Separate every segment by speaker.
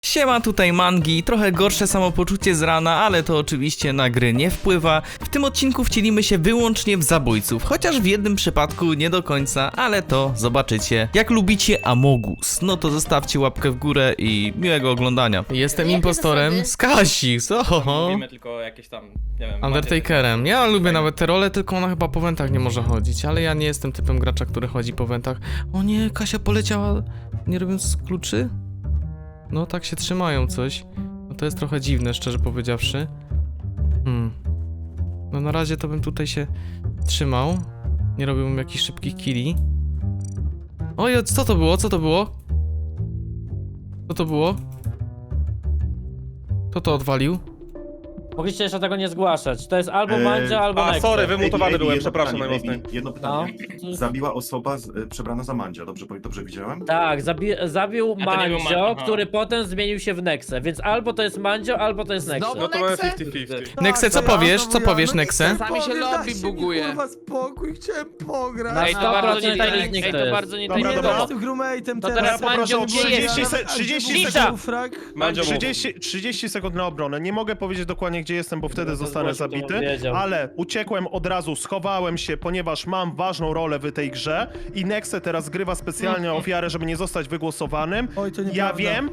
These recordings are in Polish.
Speaker 1: Siema, tutaj Mangi, trochę gorsze samopoczucie z rana, ale to oczywiście na gry nie wpływa. W tym odcinku wcielimy się wyłącznie w zabójców, chociaż w jednym przypadku nie do końca, ale to zobaczycie. Jak lubicie Amogus, no to zostawcie łapkę w górę i miłego oglądania. Jestem impostorem z Kasix, ohoho.
Speaker 2: Mówimy tylko jakieś tam, nie wiem...
Speaker 1: Undertakerem. Ja lubię nawet te role, tylko ona chyba po wentach nie może chodzić, ale ja nie jestem typem gracza, który chodzi po wentach. O nie, Kasia poleciała, nie robiąc kluczy? No tak się trzymają coś. No to jest trochę dziwne, szczerze powiedziawszy. No na razie to bym tutaj się trzymał. Nie robiłbym jakichś szybkich killi. Oj, co to było? Co to było? Co to było? Kto to odwalił?
Speaker 3: Mogliście jeszcze tego nie zgłaszać. To jest albo Mandzia, albo Nexe.
Speaker 2: sorry, wymutowany byłem,
Speaker 4: jedno
Speaker 2: przepraszam
Speaker 4: pytanie,
Speaker 2: najmocniej.
Speaker 4: jedno pytanie.
Speaker 3: No.
Speaker 4: Zabiła osoba przebrana za Mandzia, dobrze widziałem?
Speaker 3: Tak, zabił
Speaker 2: A to nie był
Speaker 3: Mandzio,
Speaker 2: aha.
Speaker 3: który potem zmienił się w Nexę, więc albo to jest Mandzio, albo to jest Nexe.
Speaker 2: No to mamy 50-50.
Speaker 1: Nexe, co powiesz? Co powiesz, Nexe?
Speaker 5: Czasami się lobby buguje.
Speaker 6: Kurwa spokój, chciałem pograć.
Speaker 3: Na
Speaker 5: Ej, to bardzo
Speaker 3: 100%
Speaker 5: nie
Speaker 3: tajemnic
Speaker 5: ej,
Speaker 3: to
Speaker 5: to
Speaker 3: jest.
Speaker 5: bardzo nie
Speaker 4: Dobra,
Speaker 6: Nie
Speaker 4: dobra.
Speaker 6: jestem crewmate'em
Speaker 5: To
Speaker 6: teraz.
Speaker 5: teraz Mandzio, gdzie jest?
Speaker 7: 30
Speaker 3: Cisza!
Speaker 2: Mandzio mów.
Speaker 7: 30 sekund na obronę. Nie mogę powiedzieć dokładnie, gdzie jestem, bo wtedy zostanę
Speaker 3: zgłosił, to bym
Speaker 7: zabity,
Speaker 3: wiedział.
Speaker 7: ale uciekłem od razu, schowałem się, ponieważ mam ważną rolę w tej grze i Nexe teraz grywa specjalnie ofiarę, żeby nie zostać wygłosowanym.
Speaker 6: Oj, to
Speaker 7: Ja
Speaker 6: nieprawda.
Speaker 7: wiem,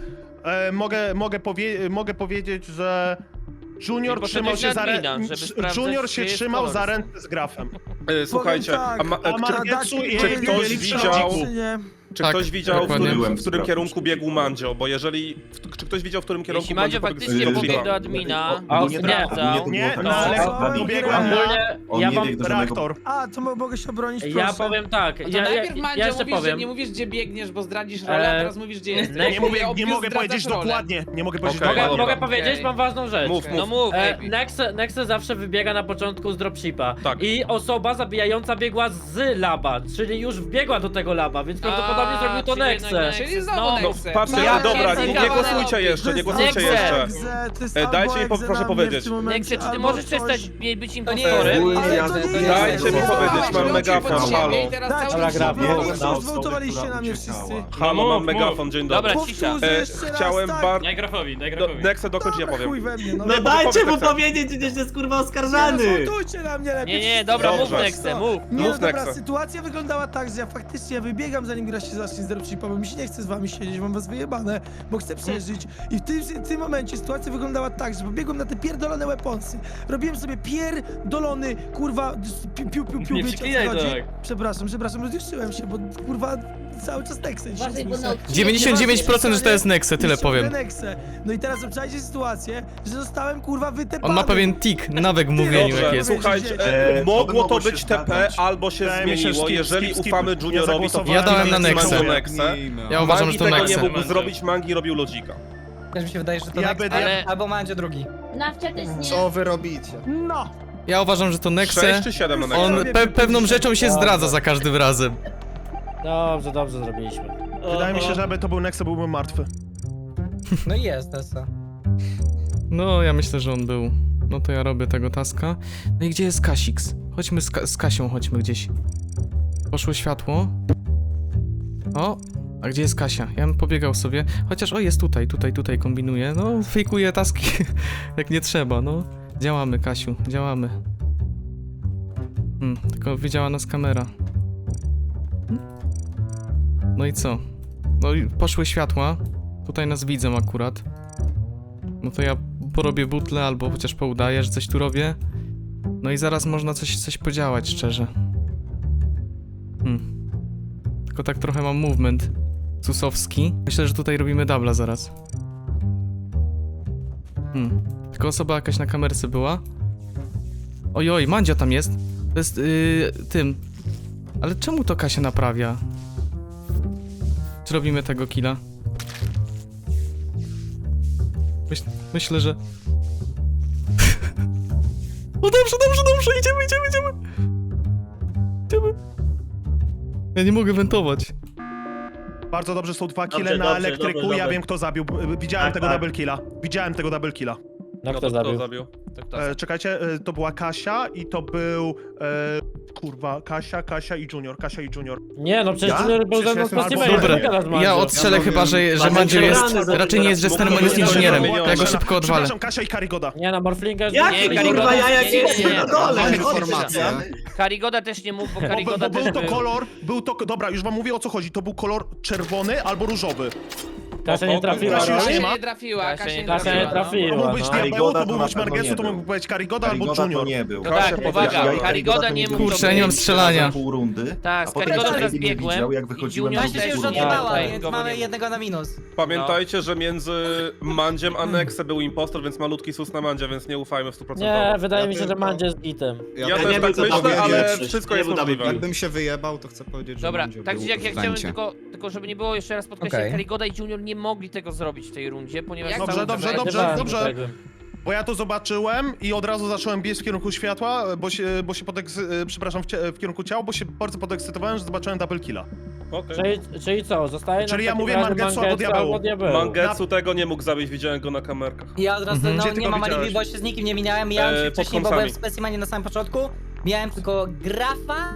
Speaker 7: mogę powiedzieć, że Junior
Speaker 5: Tylko
Speaker 7: trzymał
Speaker 5: to
Speaker 7: się
Speaker 5: jest
Speaker 7: za
Speaker 5: admina,
Speaker 7: rękę.
Speaker 5: żeby sprawdzać,
Speaker 7: Junior się
Speaker 5: czy jest
Speaker 7: trzymał
Speaker 5: kolor.
Speaker 7: za rękę z grafem.
Speaker 2: Słuchajcie,
Speaker 6: tak,
Speaker 7: a Margetsu i
Speaker 2: czy
Speaker 7: Ej
Speaker 2: ktoś
Speaker 7: byli w
Speaker 2: widział-
Speaker 7: środku.
Speaker 6: Czy nie?
Speaker 2: czy
Speaker 1: Tak,
Speaker 2: ktoś widział,
Speaker 1: dokładnie.
Speaker 2: w którym kierunku biegł Mandzio? Bo jeżeli... Czy ktoś widział, w którym kierunku
Speaker 5: Jeśli Mandzio
Speaker 2: pobiegł
Speaker 5: faktycznie
Speaker 2: z
Speaker 5: pobiegł do
Speaker 2: Dropshipa?
Speaker 5: admina,
Speaker 3: A,
Speaker 5: i
Speaker 3: nie,
Speaker 5: sprawdzał.
Speaker 7: Nie,
Speaker 4: tak,
Speaker 7: no ale
Speaker 6: No,
Speaker 7: dobiegłem
Speaker 6: no,
Speaker 7: na
Speaker 3: Ogólnie
Speaker 4: On
Speaker 3: ja
Speaker 4: nie
Speaker 3: wam...
Speaker 4: biegł do żadnego...
Speaker 7: reaktor.
Speaker 6: A, to mogę się obronić, proszę.
Speaker 3: Ja powiem tak,
Speaker 5: No to
Speaker 3: ja
Speaker 5: najpierw Mandzio
Speaker 3: jeszcze
Speaker 5: mówisz, że
Speaker 3: powiem.
Speaker 5: nie mówisz, gdzie biegniesz, bo zdradzisz rolę, a teraz mówisz, gdzie jesteś.
Speaker 3: Nie
Speaker 7: Nie mogę powiedzieć dokładnie. Nie mogę powiedzieć
Speaker 2: Okej,
Speaker 7: dokładnie.
Speaker 3: Mogę
Speaker 2: dobra.
Speaker 3: powiedzieć,
Speaker 5: Okej.
Speaker 3: mam ważną rzecz.
Speaker 2: Mów,
Speaker 5: No mów, baby.
Speaker 3: Nexe zawsze wybiega na początku z dropshipa.
Speaker 2: Tak.
Speaker 3: I osoba zabijająca biegła z laba, czyli już wbiegła do tego laba, więc prawdopodobnie zrobił to
Speaker 5: czyli jednak
Speaker 3: Nexe.
Speaker 5: Czyli znowu
Speaker 3: No,
Speaker 5: Nexe.
Speaker 2: Patrzcie,
Speaker 5: Ja
Speaker 2: dobra,
Speaker 5: pierdolę.
Speaker 2: nie głosujcie jeszcze, nie głosujcie jeszcze. Dajcie mi proszę powiedzieć.
Speaker 5: Nexe, czy ty możesz przestać być
Speaker 6: To
Speaker 5: impostorem?
Speaker 2: Dajcie mi powiedzieć, mam megafon, halo.
Speaker 3: Dobra, gra,
Speaker 6: Już zwołtowaliście na mnie wszyscy.
Speaker 2: Halo, mam megafon, dzień dobry.
Speaker 5: Dobra, cisza.
Speaker 6: Powtórzę jeszcze raz,
Speaker 2: Chciałem
Speaker 6: tak.
Speaker 2: bardzo...
Speaker 8: Daj grafowi.
Speaker 2: Nexe, dokończ, ja
Speaker 6: Dobra,
Speaker 2: powiem.
Speaker 6: chuj we mnie, no.
Speaker 2: No
Speaker 9: Dajcie mu
Speaker 2: Nexe.
Speaker 9: powiedzieć, gdzieś jest kurwa
Speaker 6: Nie
Speaker 9: oskarżany!
Speaker 6: zwołtujcie na mnie lepiej.
Speaker 5: Nie, dobra,
Speaker 2: Dobrze.
Speaker 5: mów Nexe, mów.
Speaker 6: Nie, no
Speaker 2: Mów,
Speaker 6: dobra,
Speaker 2: Nexe.
Speaker 6: sytuacja wyglądała tak, że ja faktycznie wybiegam, zanim gra się zacznie z dropshipa, bo mi się nie chce z wami siedzieć, mam was wyjebane, bo chcę przeżyć. I w tym momencie sytuacja wyglądała tak, że pobiegłem na te pierdolone weaponsy. Robiłem sobie pierdolony, kurwa, piu,
Speaker 8: Nie
Speaker 6: wiecie, o co
Speaker 8: przeklinaj
Speaker 6: chodzi?
Speaker 8: tak.
Speaker 6: Przepraszam, rozjuszyłem się, bo kurwa cały czas Nexen się słyszę.
Speaker 1: 99% że to jest Nexe, tyle powiem.
Speaker 6: Nexe. No i teraz obczajcie sytuację, że zostałem kurwa wytepany.
Speaker 1: On ma pewien tik, nawek w mówieniu jak
Speaker 2: Dobrze,
Speaker 1: jest.
Speaker 2: słuchajcie, mogło to być TP albo się
Speaker 7: Wydaje mi się,
Speaker 2: zmieniło,
Speaker 7: skip,
Speaker 2: jeżeli
Speaker 7: skip.
Speaker 2: ufamy
Speaker 7: Ja
Speaker 2: Juniorowi, to
Speaker 7: zagłosowałem
Speaker 1: Ja dałem na
Speaker 2: Mangi
Speaker 1: Nexę.
Speaker 2: Nexe.
Speaker 1: Ja uważam, że
Speaker 2: Mangi
Speaker 1: to
Speaker 2: tego nie
Speaker 1: Nexe.
Speaker 2: mógł zrobić, Mangi robił lodzika.
Speaker 8: Też mi się wydaje, że to
Speaker 7: Ja
Speaker 8: Nexe,
Speaker 7: będę-
Speaker 5: ale-
Speaker 8: albo Mandzio drugi.
Speaker 10: Nawcia też nie.
Speaker 8: Co wy robicie?
Speaker 6: No!
Speaker 1: Ja uważam, że to
Speaker 2: 6
Speaker 1: Nexe.
Speaker 2: czy 7 na Nexe?
Speaker 1: On pewną rzeczą się zdradza za każdym razem.
Speaker 3: Dobrze zrobiliśmy.
Speaker 7: Wydaje mi się, że aby to był Nexe, byłbym martwy.
Speaker 8: No i jest Nessa.
Speaker 1: No, ja myślę, że on był. No to ja robię tego taska. No i gdzie jest Kasix? Chodźmy z Kasią, chodźmy gdzieś. Poszło światło. O, a gdzie jest Kasia? Ja bym pobiegał sobie. Chociaż, o, jest tutaj kombinuję. No, fejkuję taski, jak nie trzeba, no. Działamy, Kasiu, działamy. Tylko widziała nas kamera. No i co? No i poszły światła. Tutaj nas widzą akurat. No to ja porobię butlę, albo chociaż poudaję, że coś tu robię. No i zaraz można coś podziałać, szczerze. Tylko tak trochę mam movement susowski. Myślę, że tutaj robimy dubla zaraz. Tylko osoba jakaś na kamerce była. Ojoj, Mandzio tam jest. To jest tym. Ale czemu to Kasia naprawia? Czy robimy tego killa? Myślę, że... O dobrze, idziemy. Ja nie mogę wentować.
Speaker 7: Bardzo dobrze, są 2 kille
Speaker 3: Dobrze,
Speaker 7: na
Speaker 3: dobrze,
Speaker 7: elektryku,
Speaker 3: dobrze,
Speaker 7: ja
Speaker 3: dobrze.
Speaker 7: wiem kto zabił. Widziałem
Speaker 4: Tak,
Speaker 7: tego
Speaker 4: tak.
Speaker 7: double killa. Widziałem tego double killa.
Speaker 3: No
Speaker 2: No
Speaker 3: kto
Speaker 2: to kto
Speaker 3: zabił?
Speaker 2: zabił?
Speaker 5: To kto?
Speaker 7: Czekajcie, to była Kasia i to był... kurwa, Kasia i Junior, Kasia i Junior.
Speaker 3: Nie, no przecież
Speaker 4: Ja?
Speaker 3: Junior był ze mną w
Speaker 4: Przecież ja
Speaker 3: specimenie.
Speaker 4: jestem
Speaker 1: Dobra, ja odstrzelę chyba, że
Speaker 2: Ale
Speaker 1: Mandzio
Speaker 2: nie
Speaker 1: jest...
Speaker 3: rany
Speaker 1: Raczej nie jest jesterem, on jest
Speaker 2: Mógł
Speaker 1: inżynierem.
Speaker 2: być
Speaker 1: Ja go szybko odwalę.
Speaker 7: Przepraszam, Kasia i Karigoda.
Speaker 3: Nie, no Morflinga...
Speaker 5: Nie, Karigoda,
Speaker 8: Mam
Speaker 5: nie.
Speaker 8: informację.
Speaker 5: Karigoda też nie mógł, bo
Speaker 7: Bo
Speaker 5: Karigoda
Speaker 7: był
Speaker 5: też
Speaker 7: to
Speaker 5: był.
Speaker 7: kolor, dobra, już wam mówię o co chodzi, to był kolor czerwony albo różowy.
Speaker 3: Kasia nie trafiła,
Speaker 7: Kasia już
Speaker 3: no.
Speaker 7: nie ma?
Speaker 5: nie trafiła,
Speaker 3: Kasia nie
Speaker 7: To
Speaker 3: trafiła,
Speaker 7: mógł być
Speaker 3: no.
Speaker 7: Diabeł,
Speaker 4: Karigoda
Speaker 7: to
Speaker 4: to
Speaker 7: mógł
Speaker 4: na
Speaker 7: być
Speaker 4: pewno
Speaker 7: Margesu,
Speaker 4: nie
Speaker 7: to
Speaker 4: był.
Speaker 7: mógł być Karigoda albo
Speaker 4: Karigoda
Speaker 7: Junior.
Speaker 4: to nie był.
Speaker 5: No tak,
Speaker 2: Kasia
Speaker 5: uwaga,
Speaker 2: powiedziała.
Speaker 5: Karigoda nie mógł.
Speaker 1: Kurczę, ja nie mam strzelania.
Speaker 4: Pół rundy.
Speaker 5: Tak,
Speaker 4: a
Speaker 5: z
Speaker 4: potem
Speaker 5: Karigodą
Speaker 4: Karigoda
Speaker 5: teraz
Speaker 4: nie
Speaker 5: biegłem
Speaker 4: widział, jak
Speaker 5: i
Speaker 4: wychodziłem
Speaker 5: Junior
Speaker 4: z
Speaker 8: Kasia się już
Speaker 5: też nie
Speaker 8: odjebała,
Speaker 5: tutaj,
Speaker 8: więc
Speaker 5: go
Speaker 8: mamy
Speaker 5: nie
Speaker 8: jednego na minus.
Speaker 2: Pamiętajcie, że między Mandziem a Nexe był impostor, więc malutki sus na Mandzia, więc nie ufajmy w 100%.
Speaker 3: Nie, wydaje mi się, że Mandzie jest gitem.
Speaker 2: Ja też tak myślę, ale wszystko jest możliwe.
Speaker 9: Jakbym się wyjebał, to chcę powiedzieć, że
Speaker 5: Dobra,
Speaker 9: Mandzio
Speaker 5: tak
Speaker 9: był
Speaker 5: czy jak ja
Speaker 9: w
Speaker 5: chciałem
Speaker 9: wencie.
Speaker 5: tylko żeby nie było jeszcze raz podkreślać,
Speaker 8: Okej.
Speaker 5: Karigoda i Junior nie mogli tego zrobić w tej rundzie, ponieważ
Speaker 7: Dobrze,
Speaker 5: cały
Speaker 7: dobrze,
Speaker 5: czas-
Speaker 7: dobrze.
Speaker 3: Dobrze.
Speaker 7: Bo ja to zobaczyłem i od razu zacząłem biec w kierunku światła, bo się przepraszam, w kierunku ciała, bo się bardzo podekscytowałem, że zobaczyłem double killa.
Speaker 2: Okej.
Speaker 3: Czyli co, zostaje
Speaker 7: Czyli
Speaker 3: nam
Speaker 7: ja
Speaker 3: w takim
Speaker 7: mówię
Speaker 3: razie
Speaker 7: Mangetsu albo Diabeł.
Speaker 3: Diabeł.
Speaker 2: Mangetsu tego nie mógł zabić, widziałem go na kamerkach.
Speaker 8: Ja od razu,
Speaker 7: Gdzie
Speaker 8: no
Speaker 7: ty
Speaker 8: nie
Speaker 7: go
Speaker 8: mam alibi,
Speaker 7: widziałeś?
Speaker 8: bo się z nikim nie minąłem. Mijałem się
Speaker 2: pod
Speaker 8: wcześniej, bo
Speaker 2: kąsami.
Speaker 8: byłem w specimenie na samym początku. Miałem tylko grafa.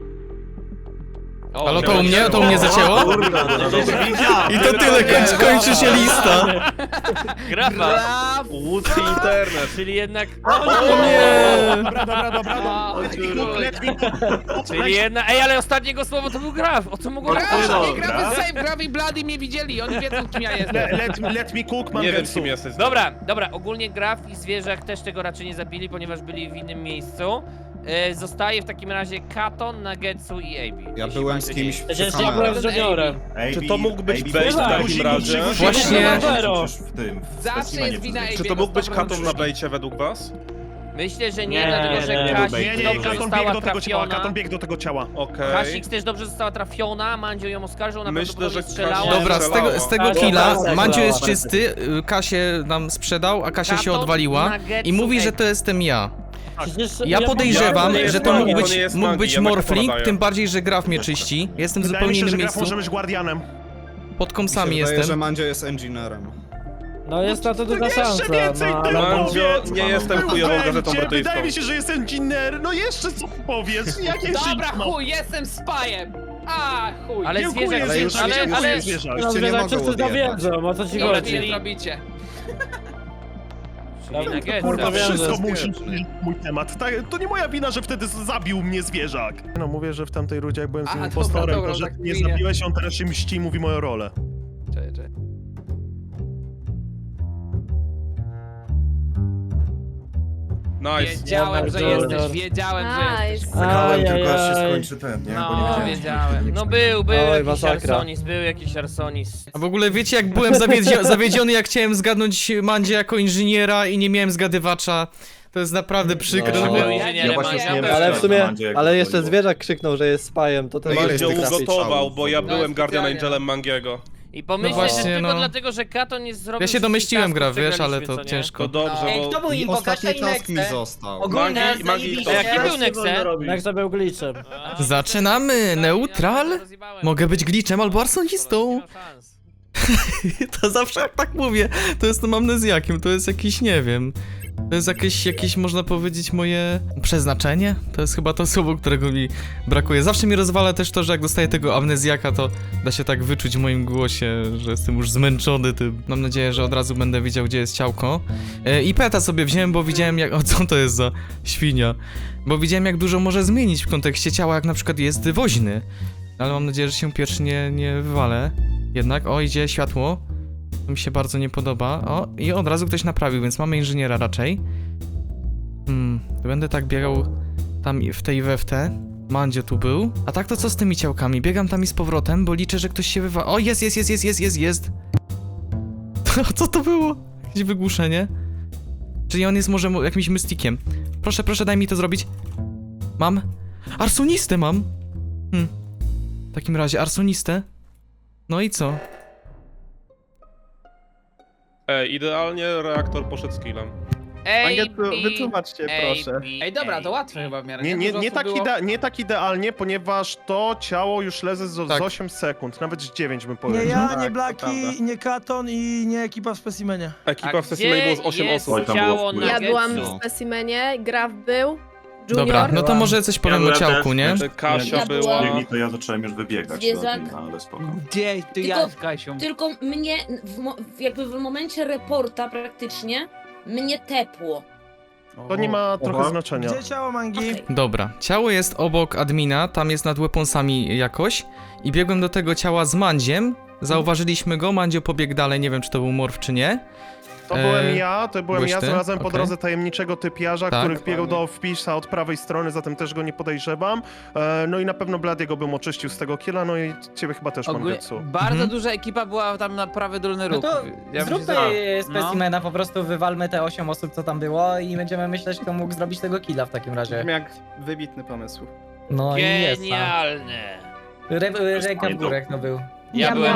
Speaker 1: Ale to u mnie zacięło? I to tyle, kończy się lista.
Speaker 5: Grafa!
Speaker 2: Łódzki internet.
Speaker 5: Czyli jednak...
Speaker 1: O nie!
Speaker 7: Dobra. Let me cook.
Speaker 5: Czyli jednak... Ej, ale ostatniego słowa to był graf! O co mogło
Speaker 4: Dobra.
Speaker 5: nie gramy save, graf i Bloody mnie widzieli, oni wiedzą kim ja jestem.
Speaker 7: Let me cook,
Speaker 2: Nie wiem,
Speaker 7: Mangetsu.
Speaker 2: kim jesteś.
Speaker 5: Dobra, ogólnie graf i zwierzak też tego raczej nie zabili, ponieważ byli w innym miejscu. Zostaje w takim razie Katon, Nagetsu i AB.
Speaker 9: Ja
Speaker 5: jeśli
Speaker 9: byłem
Speaker 5: macie
Speaker 9: z kimś
Speaker 5: dzieci.
Speaker 3: Przecież
Speaker 9: przy
Speaker 3: ja byłem
Speaker 9: kamerach.
Speaker 3: z Juniorem.
Speaker 2: Czy to mógł być
Speaker 4: AB
Speaker 2: bait w
Speaker 3: tak.
Speaker 2: takim razie?
Speaker 1: Właśnie.
Speaker 4: W tym.
Speaker 5: Zawsze jest wina AB.
Speaker 2: Czy to mógł być Katon na bejcie według was?
Speaker 5: Myślę, że nie,
Speaker 3: Nie,
Speaker 5: dlatego że
Speaker 3: nie,
Speaker 5: Kasik
Speaker 7: Nie,
Speaker 5: dobrze
Speaker 7: Katon
Speaker 5: została
Speaker 7: biegł do tego ciała,
Speaker 5: trafiona.
Speaker 7: Katon biegł do tego ciała.
Speaker 2: Okej.
Speaker 5: Kasik też dobrze została trafiona, Mandzio ją oskarżył, ona
Speaker 2: Myślę,
Speaker 5: prawdopodobnie
Speaker 2: że
Speaker 5: strzelała.
Speaker 2: Kasia-
Speaker 1: Dobra, z tego
Speaker 3: Ale
Speaker 1: killa
Speaker 3: dobra,
Speaker 1: Mandzio
Speaker 3: dobra.
Speaker 1: jest czysty, Kasię nam sprzedał, a Kasia się
Speaker 5: Katon,
Speaker 1: odwaliła
Speaker 5: Nagetsu,
Speaker 1: i mówi, że
Speaker 5: AB.
Speaker 1: to jestem ja.
Speaker 3: Przecież
Speaker 1: Ja podejrzewam,
Speaker 2: to nie jest
Speaker 1: że to
Speaker 2: Magi,
Speaker 1: mógł
Speaker 2: to nie jest
Speaker 1: być
Speaker 2: Magi, ja na
Speaker 1: Morfling,
Speaker 2: podaję.
Speaker 1: tym bardziej, że Graf mnie czyści. Jestem w
Speaker 7: Wydaje
Speaker 1: zupełnie
Speaker 7: mi się, że
Speaker 1: innym
Speaker 7: graf
Speaker 1: miejscu.
Speaker 7: może być guardianem.
Speaker 1: Pod
Speaker 9: Mi się
Speaker 1: kąsami
Speaker 9: wydaje, że
Speaker 1: jestem.
Speaker 9: Mandzio jest engineerem.
Speaker 3: No jest na to duża
Speaker 7: Jeszcze
Speaker 3: szansa.
Speaker 7: więcej
Speaker 3: No,
Speaker 7: tego
Speaker 3: ale...
Speaker 2: Mandzio, nie jestem chujową gazetą brytyjską.
Speaker 7: Wydaje mi się, że jest engineer. No jeszcze co powiesz? Jakie
Speaker 5: Dobra,
Speaker 7: shit, no.
Speaker 5: chuj, jestem spajem! A, chuj. Ale
Speaker 7: Dziękuję,
Speaker 5: zwierzak,
Speaker 9: ale już-
Speaker 5: ale
Speaker 7: zwierzak.
Speaker 3: No,
Speaker 9: Już cię nie
Speaker 3: że
Speaker 9: mogą
Speaker 3: wszyscy
Speaker 9: odjebać.
Speaker 3: dowiedzą, o co ci
Speaker 5: Ile
Speaker 3: chodzi.
Speaker 5: wy robicie? Czyli
Speaker 7: Kurwa,
Speaker 5: Nagetsu.
Speaker 3: wiem,
Speaker 7: wszystko
Speaker 3: że-
Speaker 7: musi być mój temat. To nie moja wina, że wtedy zabił mnie zwierzak. No mówię, że w tamtej rundzie jak byłem z nim
Speaker 5: Aha,
Speaker 7: impostorem,
Speaker 5: dobra,
Speaker 7: to że
Speaker 5: tak
Speaker 7: nie
Speaker 5: chwilę.
Speaker 7: zabiłeś, on teraz się mści i mówi moją rolę.
Speaker 5: Czekaj.
Speaker 2: Nice.
Speaker 5: Wiedziałem, że
Speaker 3: Junior.
Speaker 5: jesteś, wiedziałem, że jesteś.
Speaker 4: Czekałem tylko aż się
Speaker 3: Ajajaj.
Speaker 4: skończy ten, nie? Bo nie
Speaker 5: No,
Speaker 4: wiedziałem.
Speaker 5: wiedziałem. No był
Speaker 3: Oj,
Speaker 5: jakiś
Speaker 3: masakra.
Speaker 5: Arsonis, był jakiś Arsonis.
Speaker 1: A w ogóle wiecie, jak byłem zawiedziony, jak chciałem zgadnąć Mandzie jako inżyniera i nie miałem zgadywacza. To jest naprawdę przykre.
Speaker 3: No.
Speaker 1: że
Speaker 5: Był
Speaker 1: było-
Speaker 5: inżynierem,
Speaker 4: Ja właśnie
Speaker 5: Mandzio
Speaker 4: śmiem
Speaker 5: był.
Speaker 4: się
Speaker 10: Ale w sumie,
Speaker 4: Mandzie, jak
Speaker 10: ale
Speaker 4: to
Speaker 10: jeszcze
Speaker 4: było.
Speaker 10: zwierzak krzyknął, że jest spajem, to ten
Speaker 2: Mandzio
Speaker 9: jest tych
Speaker 2: ugotował,
Speaker 9: strzałów.
Speaker 2: bo ja
Speaker 5: No,
Speaker 2: byłem Guardian
Speaker 5: specjalnie.
Speaker 2: Angelem Mangiego.
Speaker 5: I pomyślę,
Speaker 1: właśnie,
Speaker 5: że tylko
Speaker 1: no.
Speaker 5: dlatego, że Katon nie zrobił...
Speaker 1: Ja się domyśliłem,
Speaker 5: wszystkich
Speaker 1: Graf, wiesz, ale
Speaker 5: przegraliśmy,
Speaker 1: to
Speaker 5: co nie?
Speaker 1: ciężko.
Speaker 2: To dobrze,
Speaker 8: Ej,
Speaker 2: bo...
Speaker 8: kto był
Speaker 9: I
Speaker 8: impo? Kasia
Speaker 9: ostatni
Speaker 8: i
Speaker 9: task mi
Speaker 8: Nexe?
Speaker 9: został.
Speaker 8: Ogólnie
Speaker 2: Magi- Magi-
Speaker 8: zajebiście.
Speaker 5: A jaki był Nexe?
Speaker 3: Jak to był glitchem.
Speaker 1: Zaczynamy! Neutral? Mogę być glitchem albo arsonistą. To zawsze jak tak mówię, to jestem amnezjakiem, to jest jakiś, nie wiem, to jest jakieś można powiedzieć moje przeznaczenie? To jest chyba to słowo, którego mi brakuje. Zawsze mi rozwala też to, że jak dostaję tego amnezjaka, to da się tak wyczuć w moim głosie, że jestem już zmęczony tym. Mam nadzieję, że od razu będę wiedział, gdzie jest ciałko. I peta sobie wziąłem, bo widziałem jak... O, co to jest za świnia? Bo widziałem, jak dużo może zmienić w kontekście ciała, jak na przykład jest woźny. Ale mam nadzieję, że się pierwszy nie wywalę. Jednak, o, idzie światło. To mi się bardzo nie podoba. O, i od razu ktoś naprawił, więc mamy inżyniera raczej. Będę tak biegał tam w tej we w te. Mandzio tu był. A tak to co z tymi ciałkami? Biegam tam i z powrotem, bo liczę, że ktoś się wywa... O, jest! Co to było? Jakieś wygłuszenie? Czyli on jest może jakimś mystikiem. Proszę, daj mi to zrobić. Mam. Arsonistę mam! W takim razie, arsonistę. No i co?
Speaker 2: Idealnie reaktor poszedł z killem.
Speaker 5: Wytłumaczcie, proszę.
Speaker 11: Ej, dobra, to łatwe chyba w miarę.
Speaker 7: Nie tak idealnie, ponieważ to ciało już leży z
Speaker 1: Tak.
Speaker 7: 8 sekund, nawet z 9 bym
Speaker 6: Nie
Speaker 7: powiedział.
Speaker 6: ja, nie Blaki, nie Katon i nie ekipa w specimenie.
Speaker 2: Ekipa w sesji było z 8 osób.
Speaker 4: Oj, tam
Speaker 5: ciało
Speaker 4: było wpływ.
Speaker 5: na
Speaker 12: Ja byłam
Speaker 5: Getsu?
Speaker 12: w specimenie, Graf był, Junior.
Speaker 1: Dobra, no to może coś powiem o ciałku, nie?
Speaker 2: Kasia
Speaker 12: Ja
Speaker 2: była...
Speaker 12: byłam-
Speaker 4: Biegli, to ja zacząłem już wybiegać.
Speaker 12: Zwierzak.
Speaker 4: No, ale spoko.
Speaker 11: Gdzie? Ty ja z Kasią.
Speaker 12: Tylko mnie, jakby w momencie reporta praktycznie, mnie tepło.
Speaker 7: To nie ma trochę znaczenia.
Speaker 6: Gdzie ciało Mangi?
Speaker 12: Okej.
Speaker 1: Dobra, ciało jest obok admina, tam jest nad weaponsami jakoś i biegłem do tego ciała z Mandziem, zauważyliśmy go, Mandzio pobiegł dalej, nie wiem czy to był morf czy nie.
Speaker 7: To byłem ja,
Speaker 1: byłeś ty?
Speaker 7: znalazłem po
Speaker 1: Okej.
Speaker 7: drodze tajemniczego typiarza,
Speaker 1: Tak.
Speaker 7: który wbiegł do wpisa od prawej strony, zatem też go nie podejrzewam. No i na pewno Bladiego bym oczyścił z tego killa, no i ciebie chyba też mam
Speaker 11: Ogólnie
Speaker 7: Getsu.
Speaker 11: bardzo
Speaker 1: Mhm.
Speaker 11: duża ekipa była tam na prawy dolny
Speaker 8: No
Speaker 11: róg.
Speaker 8: to
Speaker 11: Ja
Speaker 8: zróbmy
Speaker 11: myślę, że-
Speaker 8: specimena, po prostu wywalmy te 8 osób, co tam było i będziemy myśleć, kto mógł zrobić tego killa w takim razie.
Speaker 9: Jak wybitny pomysł.
Speaker 8: No i jest.
Speaker 5: Genialne.
Speaker 8: Ręka w górę, kto był.
Speaker 5: Ja byłem.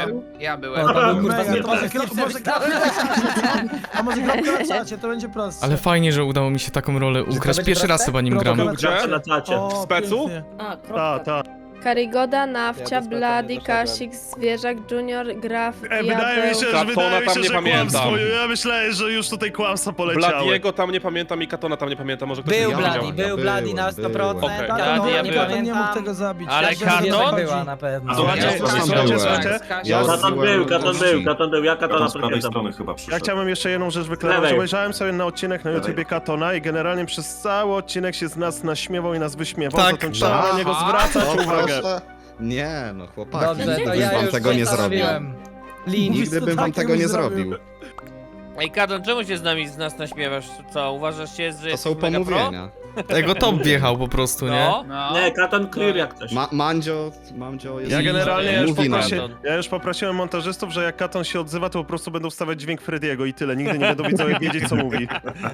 Speaker 11: Ja
Speaker 8: No,
Speaker 11: byłem.
Speaker 8: to był kurwa
Speaker 6: Mega, to może
Speaker 8: skipper.
Speaker 6: kropka na czacie, a może kropka na czacie, to będzie prostsze.
Speaker 1: Ale fajnie, że udało mi się taką rolę ukraść,
Speaker 8: będzie
Speaker 1: pierwszy raz
Speaker 8: proste?
Speaker 1: chyba nim gram.
Speaker 6: Kropka
Speaker 2: Gdzie?
Speaker 6: na czacie. O,
Speaker 2: W specu?
Speaker 6: pięknie.
Speaker 12: A, kropka.
Speaker 7: Ta.
Speaker 12: Karygoda, Nawcia,
Speaker 9: Ja do
Speaker 12: Blady,
Speaker 9: Spartana nie
Speaker 12: Kasik, Zwierzak, Junior, Graf,
Speaker 7: Wydaje mi się,
Speaker 2: Katona tam nie pamiętam.
Speaker 7: Ja myślałem, że już tutaj kłamstwa poleciały.
Speaker 2: Bladiego tam nie pamiętam i Katona tam nie pamiętam, może ktoś
Speaker 8: Był
Speaker 2: inny
Speaker 8: Bloody,
Speaker 2: widział.
Speaker 8: był Bloody na 100%.
Speaker 2: Okej.
Speaker 6: Tak,
Speaker 5: Ja
Speaker 6: no,
Speaker 5: byłem.
Speaker 6: nie Katon nie mógł tego zabić.
Speaker 5: Ale
Speaker 6: Tak, że
Speaker 5: Katon?
Speaker 6: zwierzak
Speaker 8: była
Speaker 6: chodzi.
Speaker 8: na pewno.
Speaker 7: Słuchajcie,
Speaker 9: Ja tam
Speaker 7: słuchajcie,
Speaker 9: byłem.
Speaker 7: słuchajcie.
Speaker 4: Katon był, Katon był, ja
Speaker 9: Katona
Speaker 4: z prawej strony chyba
Speaker 7: Ja
Speaker 4: przyszedł.
Speaker 7: chciałem jeszcze jedną rzecz wyklarować. Obejrzałem sobie na odcinek na YouTubie Katona i generalnie przez cały odcinek się z nas naśmiewał i nas wyśmiewał,
Speaker 1: Tak.
Speaker 7: zatem trzeba na niego zwracać uwagę.
Speaker 9: Nie, no chłopaki,
Speaker 8: Dobrze,
Speaker 9: nigdy
Speaker 8: to
Speaker 9: bym
Speaker 8: ja
Speaker 9: wam
Speaker 8: już
Speaker 9: tego nie zrobił.
Speaker 8: zostawiłem. Lin.
Speaker 9: Nigdy bym wam tego nie zrobił.
Speaker 5: Ej, Kadon, czemu się z nas naśmiewasz? Co, uważasz się, że
Speaker 9: To
Speaker 5: jesteś
Speaker 9: są
Speaker 5: mega pro?
Speaker 9: pomówienia.
Speaker 1: Tego top wjechał po prostu, nie?
Speaker 5: No.
Speaker 11: Nie,
Speaker 2: Katon clear jak coś.
Speaker 9: Mandzio jest...
Speaker 7: Ja generalnie już
Speaker 9: mówi nam.
Speaker 7: poprosiłem montażystów, że jak Katon się odzywa, to po prostu będą wstawiać dźwięk Frediego i tyle. Nigdy nie będą widzowie wiedzieć, co mówi.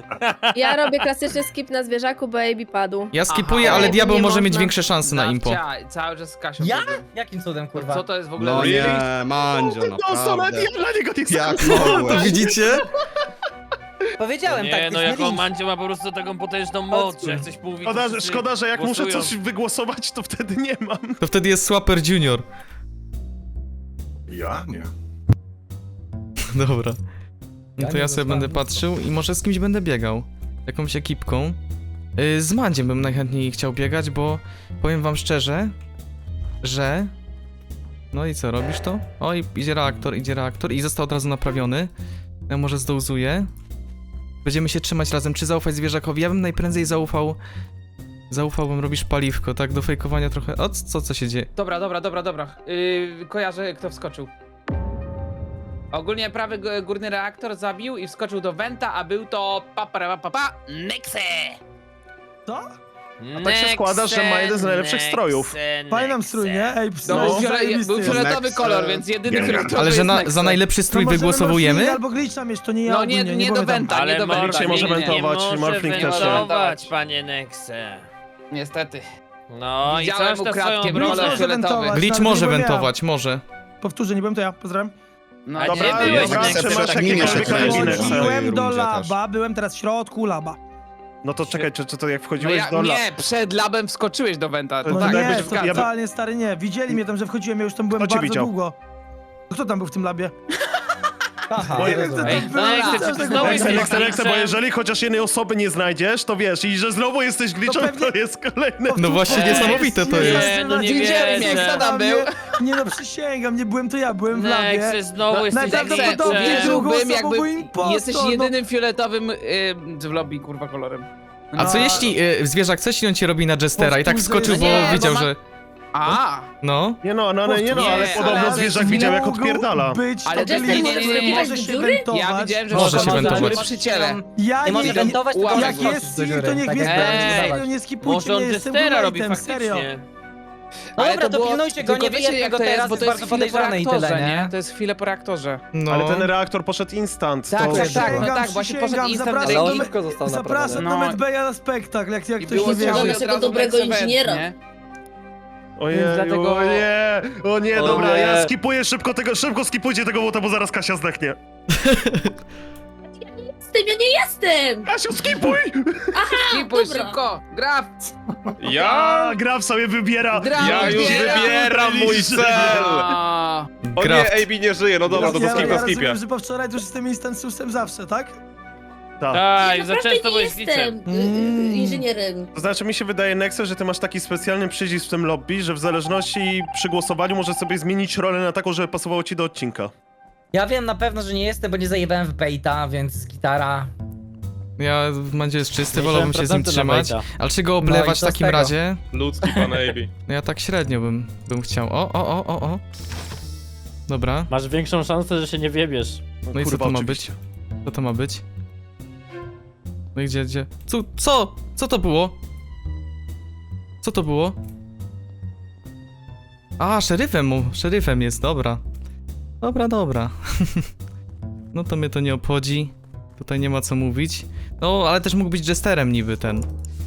Speaker 12: Ja robię klasyczny skip na Zwierzaku, bo AB padł.
Speaker 1: Ja skipuję,
Speaker 11: Aha.
Speaker 1: ale
Speaker 12: Nie
Speaker 1: diabeł może
Speaker 12: można.
Speaker 1: mieć większe szanse na impo.
Speaker 11: Cały czas z Kasią.
Speaker 8: Ja?
Speaker 11: byłem.
Speaker 8: Jakim cudem, kurwa?
Speaker 11: Co to jest w ogóle?
Speaker 9: No nie, Mandzio, naprawdę.
Speaker 7: dla niego nie
Speaker 9: Jak
Speaker 1: To
Speaker 9: mogłeś?
Speaker 1: widzicie?
Speaker 8: Powiedziałem
Speaker 5: Nie,
Speaker 8: tak,
Speaker 5: no
Speaker 8: jest
Speaker 5: jako
Speaker 8: link.
Speaker 5: Mandzio ma po prostu taką potężną moc, że jak coś mówi, to wszyscy
Speaker 7: Szkoda, że jak muszę
Speaker 5: głosują.
Speaker 7: coś wygłosować, to wtedy nie mam.
Speaker 1: To wtedy jest Swapper Junior.
Speaker 4: Ja? Nie.
Speaker 1: Dobra. No to
Speaker 8: nie
Speaker 1: ja sobie będę
Speaker 8: zostałem.
Speaker 1: patrzył i może z kimś będę biegał. Jakąś ekipką. Z Mandziem bym najchętniej chciał biegać, bo powiem wam szczerze, że... No i co, robisz to? Oj, idzie reaktor i został od razu naprawiony. Ja może zdołzuję. Będziemy się trzymać razem. Czy zaufać zwierzakowi? Ja bym najprędzej zaufałbym, robisz paliwko, tak? Do fejkowania trochę... O, co się dzieje?
Speaker 11: Dobra. Kojarzę, kto wskoczył. Ogólnie prawy górny reaktor zabił i wskoczył do Venta, a był to
Speaker 5: Nexe!
Speaker 6: Co?
Speaker 7: A tak się składa, że ma jeden z najlepszych strojów.
Speaker 6: Fajny nam strój, nie? Ej,
Speaker 11: Był fioletowy
Speaker 9: Nexe.
Speaker 11: kolor, więc jedyny fioletowy
Speaker 1: Ale że
Speaker 11: jest
Speaker 1: za
Speaker 11: Nexe.
Speaker 1: najlepszy strój wygłosowujemy?
Speaker 6: Albo glitcha mieć, to nie ja.
Speaker 11: No
Speaker 6: ogólnie,
Speaker 11: nie do
Speaker 6: było tam.
Speaker 11: Venta,
Speaker 5: Ale
Speaker 11: nie do
Speaker 5: Morfling
Speaker 11: Venta.
Speaker 7: Dzisiaj może
Speaker 11: nie.
Speaker 7: wentować,
Speaker 5: nie może
Speaker 7: Morfling też nie.
Speaker 5: wentować, panie Nexe.
Speaker 11: Niestety.
Speaker 5: No i
Speaker 11: Widziałem
Speaker 5: coś na
Speaker 11: ukradkiem
Speaker 5: swoją
Speaker 11: rolę
Speaker 5: brodę.
Speaker 6: Może
Speaker 11: fioletowy.
Speaker 6: wentować.
Speaker 1: Glitch
Speaker 6: Nawet
Speaker 1: może
Speaker 6: nie byłem ja.
Speaker 1: wentować, może.
Speaker 6: Powtórzę, nie byłem to ja, pozdrawiam.
Speaker 11: No,
Speaker 5: A
Speaker 7: Dobra,
Speaker 5: gdzie byłeś,
Speaker 7: dobra,
Speaker 5: Nexe?
Speaker 7: trzymasz
Speaker 9: Tak minie się
Speaker 7: jakiegoś
Speaker 9: kręci.
Speaker 7: Nexe.
Speaker 6: Wchodziłem do
Speaker 9: rundzie
Speaker 6: laba, byłem teraz w środku laba.
Speaker 7: No to czekaj, czy to jak
Speaker 11: No
Speaker 7: wchodziłeś do
Speaker 11: nie, przed labem wskoczyłeś do Venta. To
Speaker 7: No
Speaker 11: tak,
Speaker 6: nie,
Speaker 11: jakbyś
Speaker 6: to
Speaker 11: wskazał.
Speaker 6: totalnie stary nie. Widzieli mnie tam, że wchodziłem, ja już tam byłem
Speaker 7: Kto cię
Speaker 6: bardzo
Speaker 7: widział?
Speaker 6: długo. Kto tam był w tym labie?
Speaker 8: Aha,
Speaker 7: Moje-
Speaker 8: rozumiem.
Speaker 5: Ej,
Speaker 6: Dobra,
Speaker 5: Nexe,
Speaker 6: dobra,
Speaker 5: czy ty
Speaker 6: dobra.
Speaker 5: znowu jesteś
Speaker 7: Nexe, bo
Speaker 5: Glitchem?
Speaker 7: jeżeli chociaż jednej osoby nie znajdziesz, to wiesz, i że znowu jesteś glitchem,
Speaker 6: pewnie-
Speaker 7: to jest kolejny...
Speaker 1: No właśnie, niesamowite to jest.
Speaker 5: Nie, no nie
Speaker 11: Widzieli mnie,
Speaker 5: wierzę.
Speaker 11: kto tam był?
Speaker 6: Nie no, przysięgam, nie byłem to ja, byłem w labie.
Speaker 5: Nexe, znowu jesteś
Speaker 6: najprawdopodobniej
Speaker 5: Glitchem.
Speaker 6: drugą
Speaker 11: Uwierzyłbym,
Speaker 6: osobą, bo
Speaker 11: jakby
Speaker 6: impostor,
Speaker 11: jesteś
Speaker 6: no.
Speaker 11: jedynym fioletowym w lobby, kurwa, kolorem.
Speaker 1: A co jeśli zwierzak, co jeśli on cię robi na Jestera i tak
Speaker 6: Powtórzę,
Speaker 1: wskoczył, bo
Speaker 11: nie, bo
Speaker 1: wiedział,
Speaker 11: ma-
Speaker 1: że...
Speaker 11: A,
Speaker 1: No.
Speaker 7: Nie no, ale
Speaker 11: Nie,
Speaker 7: podobno
Speaker 11: ale
Speaker 7: zwierzak widział jak
Speaker 6: Mógł
Speaker 7: odpierdala.
Speaker 6: być
Speaker 11: Ale
Speaker 6: to
Speaker 11: Jester
Speaker 6: glitch,
Speaker 11: nie,
Speaker 6: który
Speaker 11: nie,
Speaker 6: może
Speaker 12: nie,
Speaker 6: się
Speaker 12: dziury?
Speaker 6: wentować.
Speaker 11: ja widziałem, że
Speaker 1: Może się wentować.
Speaker 11: dziury przy ciele.
Speaker 6: Ja
Speaker 8: Nie może wentować, tylko
Speaker 11: Łapek
Speaker 6: jak
Speaker 11: wskoczyć
Speaker 6: jest
Speaker 8: do
Speaker 6: Sir,
Speaker 8: dziury.
Speaker 6: to niech
Speaker 8: Tak
Speaker 6: mnie
Speaker 8: jak
Speaker 6: sprawdzi,
Speaker 5: Ej,
Speaker 6: serio, nie skipujcie
Speaker 5: Może on
Speaker 6: mnie, jestem
Speaker 5: Jestera robi
Speaker 6: bulletem, serio.
Speaker 5: faktycznie.
Speaker 8: No
Speaker 11: Ale
Speaker 8: dobra, to
Speaker 11: było-
Speaker 8: pilnujcie go,
Speaker 11: tylko
Speaker 8: nie
Speaker 11: wiecie,
Speaker 8: wyjedźcie
Speaker 11: jak
Speaker 8: go
Speaker 11: to jest,
Speaker 8: teraz,
Speaker 11: bo
Speaker 8: jest
Speaker 11: to
Speaker 8: bardzo
Speaker 11: jest chwilę po
Speaker 8: podejrzany i tyle,
Speaker 11: reaktorze,
Speaker 8: nie?
Speaker 11: To jest chwilę po reaktorze.
Speaker 1: No.
Speaker 7: Ale ten reaktor poszedł instant.
Speaker 11: Tak,
Speaker 7: to...
Speaker 11: tak, tak, no
Speaker 6: Przysięgam,
Speaker 11: tak, właśnie poszedł
Speaker 6: przysięgam,
Speaker 11: instant
Speaker 6: zapraszam
Speaker 11: reaktor.
Speaker 6: do
Speaker 10: Oliwko został
Speaker 6: Zapraszam
Speaker 11: No.
Speaker 6: do Medbeja na spektakl, jak
Speaker 11: I
Speaker 6: ktoś
Speaker 11: było
Speaker 6: nie wierzy.
Speaker 11: ciało i
Speaker 12: Naszego
Speaker 11: od razu
Speaker 12: dobrego
Speaker 11: Nexe went,
Speaker 12: inżyniera.
Speaker 11: nie?
Speaker 7: Ojej,
Speaker 11: Dlatego-
Speaker 7: o nie,
Speaker 10: O
Speaker 7: dobra,
Speaker 10: nie.
Speaker 7: ja skipuję szybko skipujcie tego, bo zaraz Kasia zdechnie.
Speaker 12: Ja nie jestem!
Speaker 7: Kasiu, skipuj!
Speaker 11: Skipuj
Speaker 12: dobra.
Speaker 11: szybko! Graf!
Speaker 2: Ja?
Speaker 7: Graf sobie wybiera.
Speaker 11: Graf
Speaker 2: Ja już wybieram mój cel!
Speaker 11: A,
Speaker 2: O nie,
Speaker 1: Graft.
Speaker 2: AB nie żyje, no dobra, to
Speaker 6: ja
Speaker 2: skip na skipie.
Speaker 6: rozumiem, że po wczoraj to już jestem instansusem zawsze, tak?
Speaker 7: Tak.
Speaker 5: Tak, za
Speaker 12: Naprawdę
Speaker 5: często
Speaker 12: nie
Speaker 5: byłeś glitchem.
Speaker 12: jestem inżynierem.
Speaker 7: To znaczy, mi się wydaje, Nexe, że ty masz taki specjalny przycisk w tym lobby, że w zależności przy głosowaniu możesz sobie zmienić rolę na taką, żeby pasowało ci do odcinka.
Speaker 8: Ja wiem na pewno, że nie jestem, bo nie zajebałem w baita, więc gitara.
Speaker 1: Ja w Mandzie jest czysty, wolałbym się z nim
Speaker 10: 50% na
Speaker 1: trzymać.
Speaker 10: bejta.
Speaker 1: Ale czy go
Speaker 8: No
Speaker 1: oblewać
Speaker 8: i
Speaker 1: w
Speaker 8: co z
Speaker 1: takim
Speaker 8: tego?
Speaker 1: razie?
Speaker 2: Ludzki pan AB.
Speaker 1: No ja tak średnio bym chciał. O. Dobra.
Speaker 10: Masz większą szansę, że się nie wiebiesz.
Speaker 1: No i co
Speaker 7: kurwa,
Speaker 1: to ma
Speaker 7: oczywiście.
Speaker 1: być? Co to ma być? No i gdzie? Co? Co to było? Co to było? A, szeryfem jest, dobra. Dobra. No to mnie to nie obchodzi. Tutaj nie ma co mówić. No, ale też mógł być jesterem niby ten.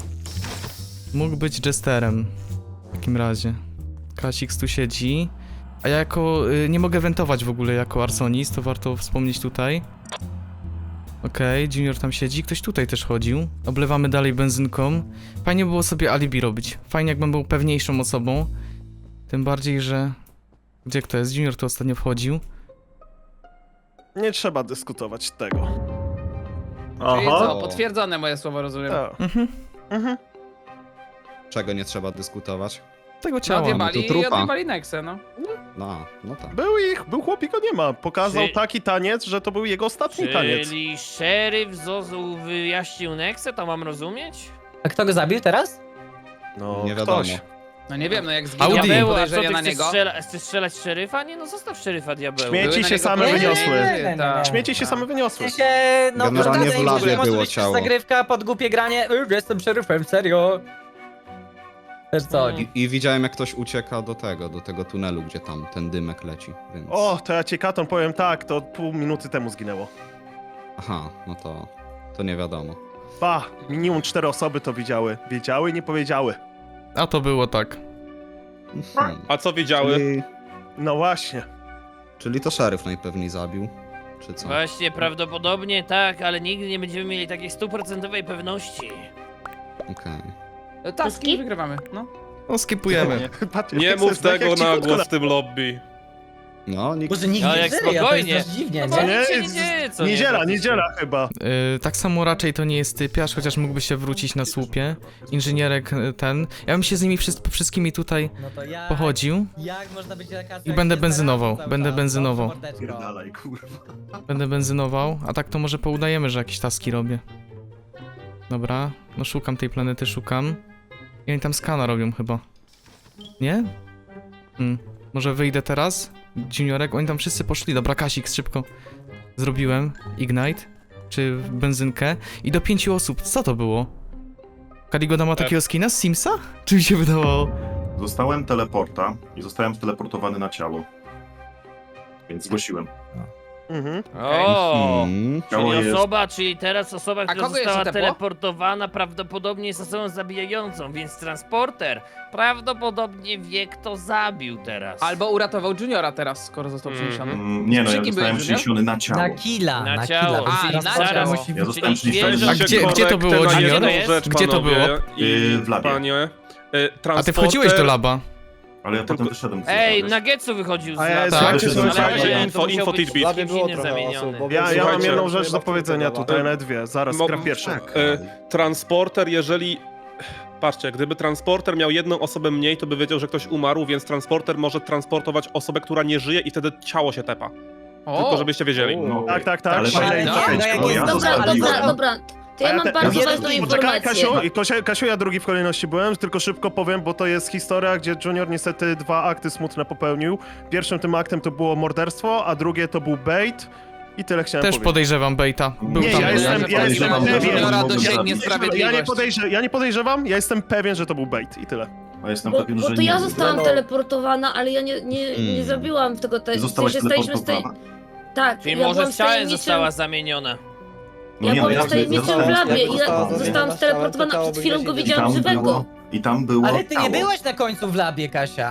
Speaker 1: Mógł być jesterem. W takim razie. Kasix tu siedzi. A ja nie mogę wentować w ogóle jako arsonist, to warto wspomnieć tutaj. Okej, Junior tam siedzi, ktoś tutaj też chodził. Oblewamy dalej benzynką. Fajnie było sobie alibi robić. Fajnie jakbym był pewniejszą osobą. Tym bardziej, że... Gdzie kto jest? Junior tu ostatnio wchodził.
Speaker 7: Nie trzeba dyskutować tego.
Speaker 11: czyli
Speaker 4: Aha.
Speaker 11: co, potwierdzone moje słowo, rozumiem.
Speaker 7: Tak.
Speaker 1: Mhm.
Speaker 9: Czego nie trzeba dyskutować?
Speaker 1: Tego
Speaker 11: No
Speaker 1: ciała.
Speaker 11: odjebali
Speaker 9: tu
Speaker 11: i
Speaker 9: trupa.
Speaker 11: odjebali Nexę, no.
Speaker 9: No tak.
Speaker 7: Był chłop i go nie ma. Pokazał
Speaker 5: Czy-
Speaker 7: taki taniec, że to był jego ostatni taniec.
Speaker 5: Czyli szeryf Zozu wyjaśnił Nexę, to mam rozumieć?
Speaker 8: A kto go zabił teraz?
Speaker 7: No,
Speaker 9: Nie wiadomo.
Speaker 7: ktoś.
Speaker 11: No nie wiem, no jak zginął
Speaker 1: Audi.
Speaker 5: Diabeł, a co
Speaker 11: podejrzenia
Speaker 5: ty
Speaker 11: na
Speaker 5: chcesz,
Speaker 11: niego.
Speaker 5: chcesz strzelać szeryfa? Nie no, zostaw szeryfa, diabeł.
Speaker 7: Śmieci
Speaker 11: Były na
Speaker 7: się
Speaker 11: niego
Speaker 7: same
Speaker 11: podejrzenia.
Speaker 7: wyniosły.
Speaker 11: Tak.
Speaker 7: Śmieci się same
Speaker 8: W
Speaker 7: wyniosły.
Speaker 8: sensie, no
Speaker 9: Generalnie
Speaker 8: wydaje mi
Speaker 9: w
Speaker 8: się,
Speaker 9: labie
Speaker 8: że może
Speaker 9: było
Speaker 8: być
Speaker 9: ciało.
Speaker 8: zagrywka pod głupie granie. Jestem szeryfem, serio. Też co?
Speaker 9: I widziałem, jak ktoś ucieka do tego tunelu, gdzie tam ten dymek leci, więc...
Speaker 7: O, to ja ci Katon powiem tak, to pół minuty temu zginęło.
Speaker 9: Aha, no to nie wiadomo.
Speaker 7: Ba, minimum 4 osoby to widziały. Wiedziały i nie powiedziały.
Speaker 1: A to było tak.
Speaker 2: A co wiedziały?
Speaker 7: No właśnie.
Speaker 9: Czyli to szeryf najpewniej zabił, czy co?
Speaker 5: Właśnie, prawdopodobnie tak, ale nigdy nie będziemy mieli takiej stuprocentowej pewności.
Speaker 9: Okej.
Speaker 11: Taski
Speaker 12: Skip?
Speaker 11: wygrywamy, no.
Speaker 1: No skipujemy.
Speaker 7: Patrz,
Speaker 2: Nie
Speaker 7: jak
Speaker 2: mów
Speaker 7: to jest tak,
Speaker 2: tego
Speaker 7: jak ci
Speaker 2: na
Speaker 7: krótko
Speaker 2: głos w tym lobby.
Speaker 9: No, nikt...
Speaker 8: Może nikt
Speaker 5: Ale
Speaker 8: nie
Speaker 5: jak
Speaker 8: żyje, to
Speaker 5: spokojnie.
Speaker 8: jest dość dziwnie,
Speaker 5: No
Speaker 8: nie?
Speaker 5: nic
Speaker 7: Nie,
Speaker 5: się nie dzieje, co nie?
Speaker 7: Niedziela
Speaker 5: praktycznie.
Speaker 7: chyba.
Speaker 1: Tak samo raczej to nie jest typiarz, chociaż mógłby się wrócić na słupie. Inżynierek ten. Ja bym się z nimi wszystkimi tutaj
Speaker 8: No to jak?
Speaker 1: pochodził.
Speaker 8: Jak można być taka
Speaker 1: I będę benzynował, będę benzynował.
Speaker 4: Pierdalaj, kurwa.
Speaker 1: Będę benzynował, a tak to może poudajemy, że jakieś taski robię. Dobra, no szukam tej planety, szukam. I oni tam skana robią chyba. Nie? Może wyjdę teraz? Juniorek, oni tam wszyscy poszli. Dobra, Kasik, szybko. Zrobiłem Ignite, czy benzynkę. I do 5 osób, co to było? Karigoda ma takiego skina z Simsa? Czy mi się wydawało?
Speaker 4: Dostałem teleporta i zostałem teleportowany na ciało. Więc zgłosiłem.
Speaker 7: Mhm.
Speaker 5: O!
Speaker 4: Ciało
Speaker 5: Czyli
Speaker 4: jest...
Speaker 5: osoba, czyli teraz osoba, która
Speaker 11: kogo jeszcze
Speaker 5: została
Speaker 11: tepło?
Speaker 5: teleportowana, prawdopodobnie jest osobą zabijającą, więc transporter prawdopodobnie wie, kto zabił teraz.
Speaker 11: Albo uratował Juniora teraz, skoro został przeniesiony.
Speaker 4: Nie no,
Speaker 11: Przy
Speaker 4: ja
Speaker 11: kim
Speaker 4: zostałem
Speaker 11: byłeś,
Speaker 4: przeniesiony na ciało.
Speaker 8: Na killa,
Speaker 5: Na
Speaker 8: na
Speaker 5: ciało.
Speaker 8: killa.
Speaker 11: A,
Speaker 8: więc
Speaker 11: na
Speaker 8: transporter
Speaker 11: ciało.
Speaker 8: musi
Speaker 4: Ja zostałem
Speaker 5: Czyli
Speaker 4: przeniesiony
Speaker 5: świeżo-
Speaker 4: na
Speaker 1: A
Speaker 2: Się
Speaker 1: gdzie to
Speaker 2: korektę
Speaker 1: było,
Speaker 2: na
Speaker 1: Junior?
Speaker 2: jedną
Speaker 5: Gdzie to
Speaker 2: rzecz,
Speaker 1: Gdzie to
Speaker 2: panowie
Speaker 1: było?
Speaker 2: I
Speaker 4: W labie.
Speaker 2: panie.
Speaker 1: A ty wchodziłeś do laba?
Speaker 4: Ale ja potem wyszedłem z
Speaker 5: Ej,
Speaker 4: wiesz.
Speaker 5: Nuggetsu wychodził z
Speaker 7: A ja
Speaker 5: laba.
Speaker 7: jestem-
Speaker 1: Tak,
Speaker 7: słuchajcie,
Speaker 5: Ale
Speaker 2: info,
Speaker 5: to musiał
Speaker 2: info
Speaker 5: być
Speaker 2: tidbit.
Speaker 10: W labie
Speaker 5: kimś
Speaker 10: było
Speaker 5: innym
Speaker 10: trochę
Speaker 5: zamieniony.
Speaker 10: osób, bo
Speaker 7: Ja mam
Speaker 2: Słuchajcie,
Speaker 7: jedną rzecz do
Speaker 10: chyba
Speaker 7: powiedzenia
Speaker 10: wtedy
Speaker 7: tutaj, nawet dwie. Zaraz,
Speaker 2: Mo-
Speaker 7: gra pierwszy.
Speaker 2: Transporter, jeżeli... Patrzcie, gdyby transporter miał jedną osobę mniej, to by wiedział, że ktoś umarł, więc transporter może transportować osobę, która nie żyje i wtedy ciało się tepa. Tylko żebyście wiedzieli.
Speaker 4: No,
Speaker 7: Tak.
Speaker 4: Ale
Speaker 7: Ale
Speaker 11: no,
Speaker 4: fajnie,
Speaker 11: no, jak
Speaker 4: bo
Speaker 11: jest-
Speaker 4: ja
Speaker 12: Dobra,
Speaker 4: zostawiłem.
Speaker 12: dobra. To
Speaker 7: A
Speaker 12: ja
Speaker 7: ja
Speaker 12: mam
Speaker 7: te-
Speaker 12: bardzo
Speaker 7: ja
Speaker 12: ważną
Speaker 7: Poczekaj,
Speaker 12: informację.
Speaker 7: Kasiu, ja drugi w kolejności byłem, tylko szybko powiem, bo to jest historia, gdzie Junior niestety 2 akty smutne popełnił. Pierwszym tym aktem to było morderstwo, a drugie to był bait. I tyle chciałem
Speaker 1: Też
Speaker 7: powiedzieć.
Speaker 1: podejrzewam Bejta. Był
Speaker 7: Nie,
Speaker 1: tam.
Speaker 7: ja jestem
Speaker 4: podejrzewam, że
Speaker 7: pewien.
Speaker 11: Juniora
Speaker 4: mogą
Speaker 11: do
Speaker 4: zabić.
Speaker 11: sięgnie sprawiedliwość.
Speaker 7: Ja nie podejrzewam, ja jestem pewien, że to był bait i tyle.
Speaker 4: A jestem
Speaker 12: Bo
Speaker 4: pewien, że
Speaker 12: to ja
Speaker 4: nie.
Speaker 12: zostałam teleportowana, ale ja nie zabiłam tego
Speaker 4: Ty
Speaker 12: testu.
Speaker 4: zostałaś teleportowana?
Speaker 12: Tak,
Speaker 5: Czyli
Speaker 12: ja
Speaker 5: może
Speaker 12: byłam
Speaker 5: w ciałem
Speaker 12: tajemniczym-
Speaker 5: została zamieniona.
Speaker 4: No
Speaker 12: Ja
Speaker 4: nie, no
Speaker 12: byłam
Speaker 4: ja
Speaker 12: tajemniczym w labie i ja zostałam
Speaker 10: to
Speaker 12: steleportowana,
Speaker 10: ciało
Speaker 12: przed chwilą
Speaker 10: by
Speaker 12: go
Speaker 10: gdzieś
Speaker 12: widziałam
Speaker 4: tam
Speaker 12: żywego.
Speaker 4: było, I tam było
Speaker 8: Ale ty nie
Speaker 4: ciało.
Speaker 8: byłeś na końcu w labie, Kasia.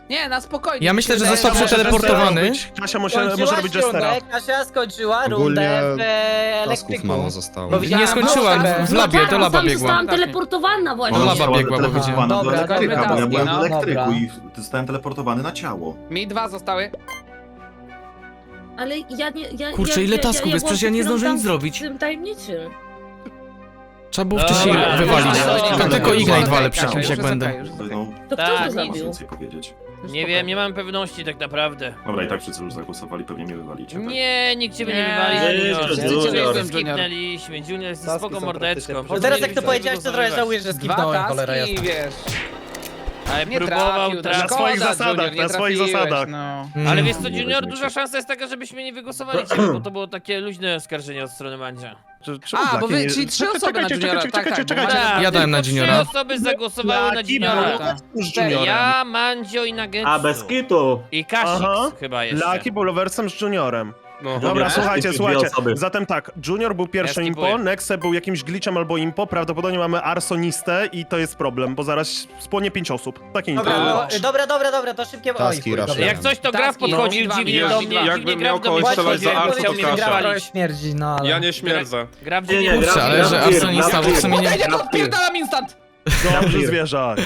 Speaker 11: Nie, na spokojnie.
Speaker 1: Ja myślę, że
Speaker 11: Wydaje
Speaker 1: został
Speaker 11: się, że-
Speaker 1: przeteleportowany.
Speaker 7: Kasia może
Speaker 8: Skończyłaś
Speaker 7: robić Jestera.
Speaker 8: rundę, Kasia skończyła
Speaker 9: Ogólnie
Speaker 8: rundę w
Speaker 9: Tasków
Speaker 8: elektryku.
Speaker 9: mało zostało.
Speaker 8: Bo widziałam-
Speaker 1: Nie skończyłam, w labie, do laba
Speaker 12: Tam
Speaker 1: biegła.
Speaker 12: zostałam teleportowana właśnie.
Speaker 1: Do
Speaker 4: Ona
Speaker 1: laba
Speaker 4: została
Speaker 1: biegła, bo
Speaker 4: teleportowana do
Speaker 8: Dobra,
Speaker 4: elektryka,
Speaker 11: dobra,
Speaker 4: bo ja byłem w
Speaker 11: no,
Speaker 4: elektryku
Speaker 8: dobra.
Speaker 4: i zostałem teleportowany na ciało.
Speaker 11: Mi 2 zostały.
Speaker 12: Ale ja nie...
Speaker 1: Kurczę, ile tasków jest? Przecież ja nie zdążę nic zrobić.
Speaker 12: Z tym tajemniczym.
Speaker 1: Trzeba było wcześniej
Speaker 5: Dobra,
Speaker 1: wywalić.
Speaker 5: dobra.
Speaker 1: To tylko Ignite walę przy
Speaker 11: Kasia,
Speaker 1: kimś, jak
Speaker 11: już jest
Speaker 1: będę.
Speaker 11: okej, już jest okej.
Speaker 4: No,
Speaker 12: To kto
Speaker 5: Tak,
Speaker 12: to
Speaker 5: nic
Speaker 4: nie mogę
Speaker 12: zrobił?
Speaker 4: więcej powiedzieć.
Speaker 5: Nie wiem, nie mam pewności tak naprawdę.
Speaker 4: Dobra, i tak wszyscy już zagłosowali, pewnie mnie wywalicie. Tak?
Speaker 5: Nie, nikt ciebie nie
Speaker 11: Nie,
Speaker 5: wywali,
Speaker 11: nie,
Speaker 5: Junior.
Speaker 11: nie,
Speaker 5: Wszyscy
Speaker 11: Junior.
Speaker 5: ciebie
Speaker 11: Junior.
Speaker 5: skipnęliśmy. Junior jest
Speaker 8: Taski
Speaker 5: spoko
Speaker 8: są
Speaker 5: mordeczką.
Speaker 8: praktycznie- No teraz jak to powiedziałeś, to trochę żałuję, że
Speaker 11: 2
Speaker 8: skipnąłem, cholera
Speaker 11: taski,
Speaker 8: jasna.
Speaker 11: wiesz.
Speaker 5: Ale
Speaker 11: Nie
Speaker 5: próbował
Speaker 11: trafił,
Speaker 5: trafić.
Speaker 7: Na swoich
Speaker 11: szkoda,
Speaker 7: zasadach,
Speaker 11: Junior, nie
Speaker 7: na swoich
Speaker 11: trafiłeś,
Speaker 7: zasadach.
Speaker 11: No.
Speaker 5: Ale wiesz co,
Speaker 4: Nie
Speaker 5: Junior,
Speaker 4: weźmiecie.
Speaker 5: duża szansa jest taka, żebyśmy nie wygłosowali ciebie, bo to było takie luźne oskarżenie od strony Mandzia.
Speaker 11: A, bo wy, czyli 3 osoby na Juniora, tak, tak.
Speaker 7: czekajcie.
Speaker 5: Tak,
Speaker 1: Ja dałem na
Speaker 5: tylko
Speaker 1: Juniora.
Speaker 5: 3 osoby zagłosowały na
Speaker 7: Laki
Speaker 5: Juniora.
Speaker 11: Tak.
Speaker 7: z Juniorem.
Speaker 5: Ja, Mandzio i Nagetsu.
Speaker 13: kitu.
Speaker 5: I Kasix
Speaker 7: Aha.
Speaker 5: chyba jeszcze.
Speaker 7: Laki był loversem z Juniorem.
Speaker 2: No.
Speaker 7: Dobra, słuchajcie,
Speaker 13: Dwie
Speaker 7: słuchajcie.
Speaker 13: osoby.
Speaker 7: Zatem tak, Junior był pierwszy
Speaker 5: Ja
Speaker 7: impo,
Speaker 5: skipuję.
Speaker 7: Nexe był jakimś glitchem albo impo, prawdopodobnie mamy arsonistę i to jest problem, bo zaraz spłonie 5 osób. Takie impo.
Speaker 8: Dobra, to szybkie...
Speaker 9: Taski
Speaker 8: chuj,
Speaker 9: raczej.
Speaker 8: dobra.
Speaker 5: Jak coś, to Graf
Speaker 11: Taski,
Speaker 5: podchodził
Speaker 11: no.
Speaker 5: dziwnie
Speaker 2: Jest-
Speaker 5: do mnie,
Speaker 2: jakbym
Speaker 5: dziwnie
Speaker 2: miał
Speaker 5: Graf do mnie
Speaker 2: kogoś strzelać
Speaker 5: podchodził,
Speaker 2: za Arso,
Speaker 5: chciał
Speaker 2: to
Speaker 5: mnie
Speaker 2: Kasia.
Speaker 8: Trochę
Speaker 5: wywalić.
Speaker 8: śmierdzi, no ale...
Speaker 2: Ja nie śmierdzę.
Speaker 5: Graf
Speaker 13: Nie,
Speaker 5: dziwnie
Speaker 13: nie,
Speaker 1: Kurczę, ale że
Speaker 13: Graf-
Speaker 1: arsonista, bo w sumie nie...
Speaker 11: Ja to odpierdalam instant!
Speaker 7: Dobrze, zwierzak.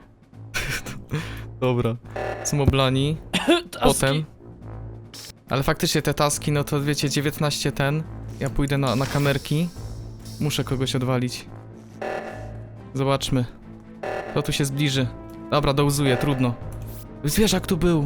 Speaker 1: Dobra. Są oblani. Potem. Ale faktycznie te taski, no to wiecie, 19 ten. Ja pójdę na kamerki. Muszę kogoś odwalić. Zobaczmy. Kto tu się zbliży. Dobra, dołzuję, trudno. Zwierzak tu był.